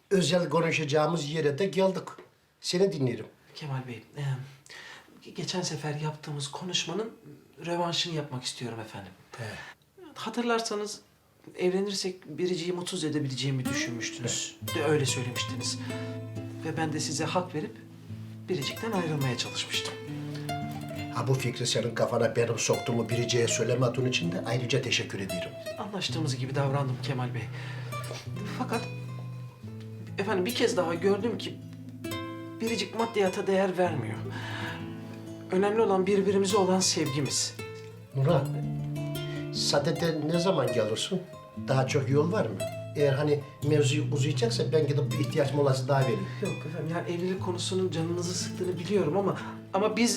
özel konuşacağımız yere de geldik. Seni dinlerim. Kemal Bey, geçen sefer yaptığımız konuşmanın rövanşını yapmak istiyorum efendim. Hatırlarsanız evlenirsek Biricik'i mutsuz edebileceğimi düşünmüştünüz. De öyle söylemiştiniz. Ve ben de size hak verip Biricik'ten ayrılmaya çalışmıştım. Ha bu fikri senin kafana benim soktuğumu Biricik'e söylemediğin için de ayrıca teşekkür ederim. Anlaştığımız gibi davrandım Kemal Bey. Fakat efendim bir kez daha gördüm ki Biricik maddiyata değer vermiyor. Önemli olan birbirimize olan sevgimiz. Nurhan, Sadede ne zaman gelirsin? Daha çok yol var mı? Eğer hani mevzu uzayacaksa ben gidip bir ihtiyaç molası daha vereyim. Yok efendim, yani evlilik konusunun canınızı sıktığını biliyorum ama biz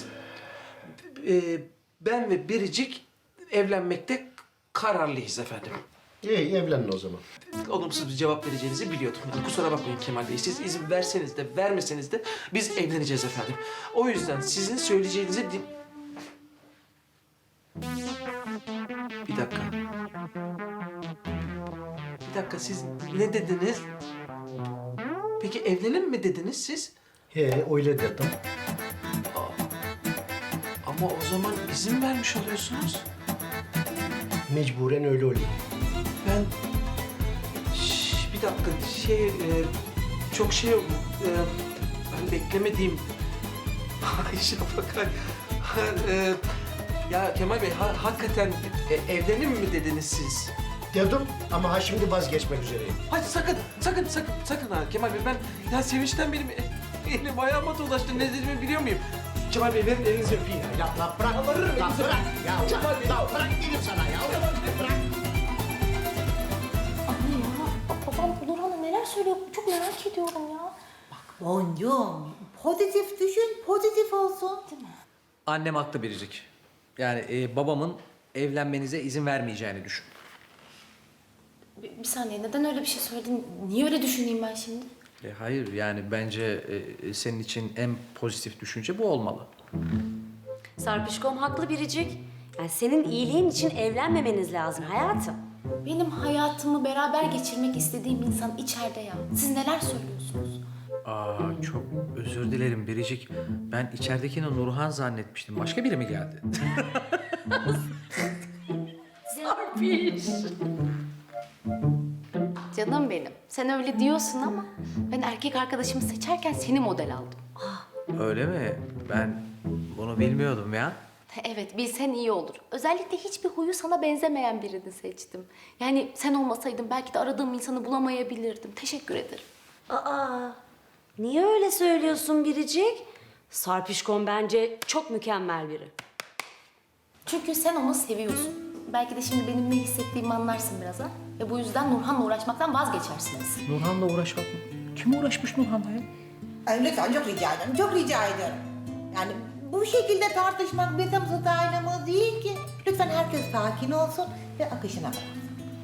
ben ve Biricik evlenmekte kararlıyız efendim. İyi, evlenin o zaman. Olumsuz bir cevap vereceğinizi biliyordum. Yani kusura bakmayın Kemal Bey. Siz izin verseniz de vermeseniz de biz evleneceğiz efendim. O yüzden sizin söyleyeceğinizi Bir dakika. Bir dakika, siz ne dediniz? Peki evlenelim mi dediniz siz? He, öyle dedim. Ama o zaman izin vermiş oluyorsunuz. Mecburen öyle oluyor. Ben... bir dakika, çok şey oldu. Ben beklemediğim... Ay Şafak, ya Kemal Bey, hakikaten evlenelim mi dediniz siz? Dedim ama ha şimdi vazgeçmek üzereyim. Hayır sakın ha Kemal Bey, ben ya sevinçten benim elim ayağıma dolaştı, ne dediğimi biliyor muyum? Kemal Bey, verin elinizi öpeyim ya. Ya bırak, Yalvarırım, ya elinizi bırak. öpeyim. Ya Kemal Bey, ya bırak dedim sana ya. Bırak. Anne ya, babam Nurhan'a neler söylüyor çok merak ediyorum ya. Boncuğum, pozitif düşün, pozitif olsun. Değil mi? Annem haklı Biricik. Yani babamın evlenmenize izin vermeyeceğini düşün. Bir saniye, neden öyle bir şey söyledin? Niye öyle düşüneyim ben şimdi? Hayır, yani bence senin için en pozitif düşünce bu olmalı. Sarpişkom haklı Biricik. Yani senin iyiliğin için evlenmemeniz lazım hayatım. Benim hayatımı beraber geçirmek istediğim insan içeride ya. Siz neler söylüyorsunuz? Aa, çok özür dilerim Biricik. Ben içeridekini Nurhan zannetmiştim. Başka biri mi geldi? Canım benim, sen öyle diyorsun ama ben erkek arkadaşımı seçerken seni model aldım. Öyle mi? Ben bunu bilmiyordum ya. Evet, bilsen iyi olur. Özellikle hiçbir huyu sana benzemeyen birini seçtim. Yani sen olmasaydın belki de aradığım insanı bulamayabilirdim. Teşekkür ederim. Aa, niye öyle söylüyorsun Biricik? Sarpişkom bence çok mükemmel biri. Çünkü sen onu seviyorsun. Belki de şimdi benim ne hissettiğimi anlarsın biraz ha. Ve bu yüzden Nurhan'la uğraşmaktan vazgeçersiniz. Nurhan'la uğraşmak mı? Kim uğraşmış Nurhan'la ya? Ay, lütfen çok rica ederim, çok rica ederim. Yani bu şekilde tartışmak bizim stylımız değil ki. Lütfen herkes sakin olsun ve akışına bıraksın.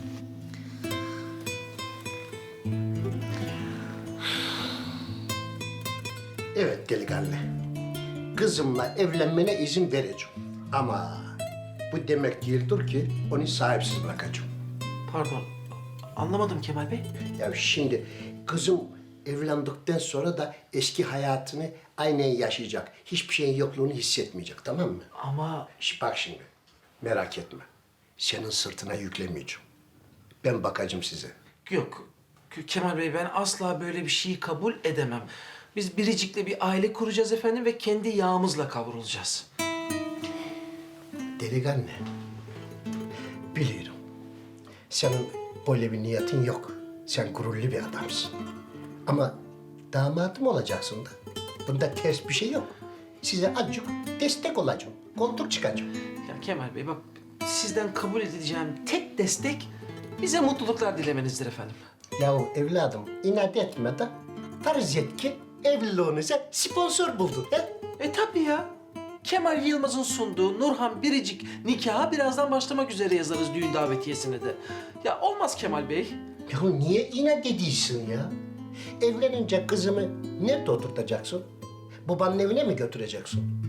Evet delikanlı. Kızımla evlenmene izin vereceğim. Ama bu demek değildir ki onu sahipsiz bırakacağım. Pardon, anlamadım Kemal Bey. Ya şimdi kızım evlendikten sonra da eski hayatını aynen yaşayacak. Hiçbir şeyin yokluğunu hissetmeyecek, tamam mı? Ama Bak şimdi, merak etme. Senin sırtına yüklemeyeceğim. Ben bakacağım size. yok Kemal Bey, ben asla böyle bir şeyi kabul edemem. Biz Biricik'le bir aile kuracağız efendim ve kendi yağımızla kavrulacağız. Delikanlı, biliyorum. Senin böyle bir niyetin yok. Sen gururlu bir adamsın. Ama damadım olacaksın da. Bunda ters bir şey yok. Size azıcık destek olacağım. Koltuk çıkacağım. Ya Kemal Bey, bak, sizden kabul edeceğim tek destek bize mutluluklar dilemenizdir efendim. Yahu evladım, inat etme de farz et ki evliliğinize sponsor buldun. He? Tabii ya. Kemal Yılmaz'ın sunduğu Nurhan Biricik nikaha birazdan başlamak üzere yazarız düğün davetiyesine de. Ya olmaz Kemal Bey. Yahu niye inat ediyorsun ya? Evlenince kızımı nerede oturtacaksın? Babanın evine mi götüreceksin?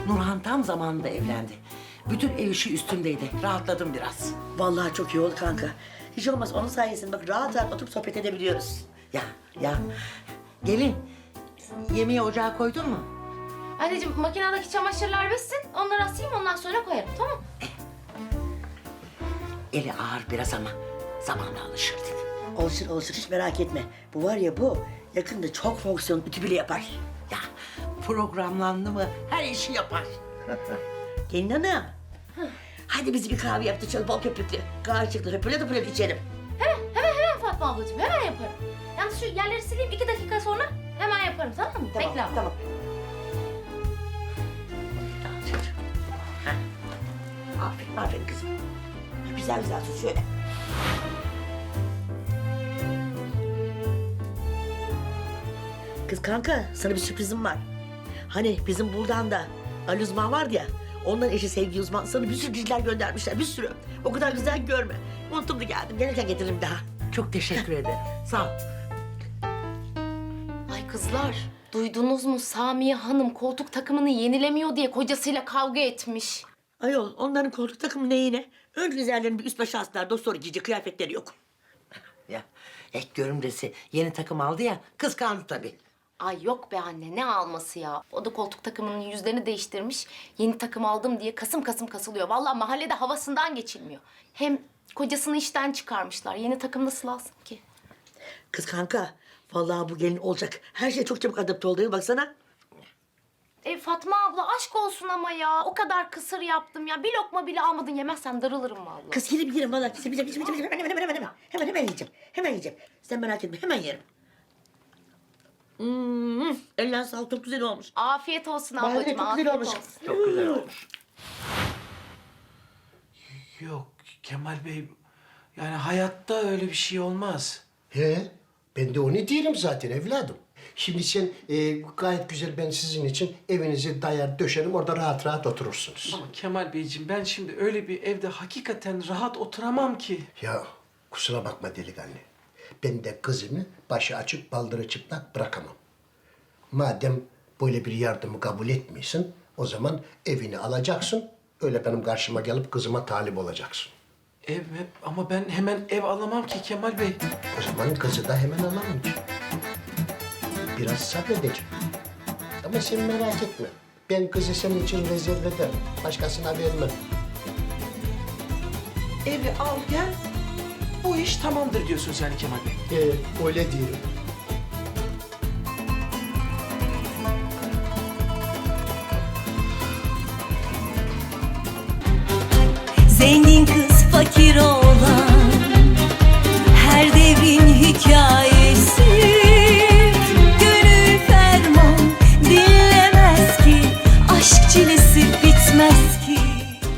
Nurhan tam zamanında evlendi. Bütün ev işi üstündeydi. Rahatladım biraz. Vallahi çok iyi oldu kanka. Hiç olmaz onun sayesinde bak rahat rahat oturup sohbet edebiliyoruz. Ya. Gelin. Yemeği ocağa koydun mu? Anneciğim makinedeki çamaşırlar bitsin. Onları asayım ondan sonra koyarım tamam mı? Eli ağır biraz ama zamanla alışır dedi. Olsun hiç merak etme. Bu var ya bu yakında çok fonksiyon ütü bile yapar. Ya programlandı mı her işi yapar. Gelin hanım. Hadi bizi bir kahve yaptı şöyle bol köpüklü. Karşılıklı höpüle içelim. Hemen Fatma ablacığım hemen yaparım. Yalnız şu yerleri sileyim 2 dakika sonra hemen yaparım tamam mı? Bekle ama. Tamam. Aferin kızım. Güzel tut şöyle. Kız kanka sana bir sürprizim var. Hani bizim buradan da Ali Uzman vardı ya. Onların eşi Sevgi Uzman sana bir sürü diziler göndermişler bir sürü. O kadar güzel görme. Unuttum da geldim. Gelirken getiririm daha. Çok teşekkür ederim. Sağ ol. Ay kızlar duydunuz mu Samiye Hanım koltuk takımını yenilemiyor diye kocasıyla kavga etmiş. Ayol onların koltuk takımı neyine? Önce üzerlerine bir üst başı astılar. Doktor giyecek kıyafetleri yok. Ya ek görümcesi yeni takım aldı ya kıskandı tabii. Ay yok be anne ne alması ya. O da koltuk takımının yüzlerini değiştirmiş. Yeni takım aldım diye kasım kasım kasılıyor. Vallahi mahallede havasından geçilmiyor. Hem kocasını işten çıkarmışlar. Yeni takım nasıl alsın ki? Kız kanka vallahi bu gelin olacak. Her şey çok çabuk adapte oldu. Baksana. Fatma abla aşk olsun ama ya. O kadar kısır yaptım ya. Bir lokma bile almadın yemezsen darılırım vallahi. Kız yerim vallahi. Hemen yiyeceğim. Hemen yiyeceğim. Sen merak etme hemen yerim. Ellerine sağlık çok güzel olmuş. Afiyet olsun Vallahi ablacığım. çok güzel afiyet olmuş. olsun. Çok güzel olmuş. Yok Kemal Bey, yani hayatta öyle bir şey olmaz. He, ben de onu diyelim zaten evladım. Şimdi sen gayet güzel ben sizin için evinizi dayar döşerim orada rahat rahat oturursunuz. Ama Kemal Beyciğim ben şimdi öyle bir evde hakikaten rahat oturamam ki. Ya kusura bakma delikanlı. Ben de kızımı başı açık baldırı çıplak bırakamam. Madem böyle bir yardımı kabul etmiyorsun o zaman evini alacaksın. Öyle benim karşıma gelip kızıma talip olacaksın. Ev ama ben hemen ev alamam ki Kemal Bey. O zaman kızı da hemen alamam ki. Biraz sabredeceğim. Ama sen merak etme. Ben kızı senin için rezerve ederim. Başkasına vermem. Evi al gel, bu iş tamamdır diyorsun yani Kemal Bey. Öyle diyorum. Zengin kız fakir oğlan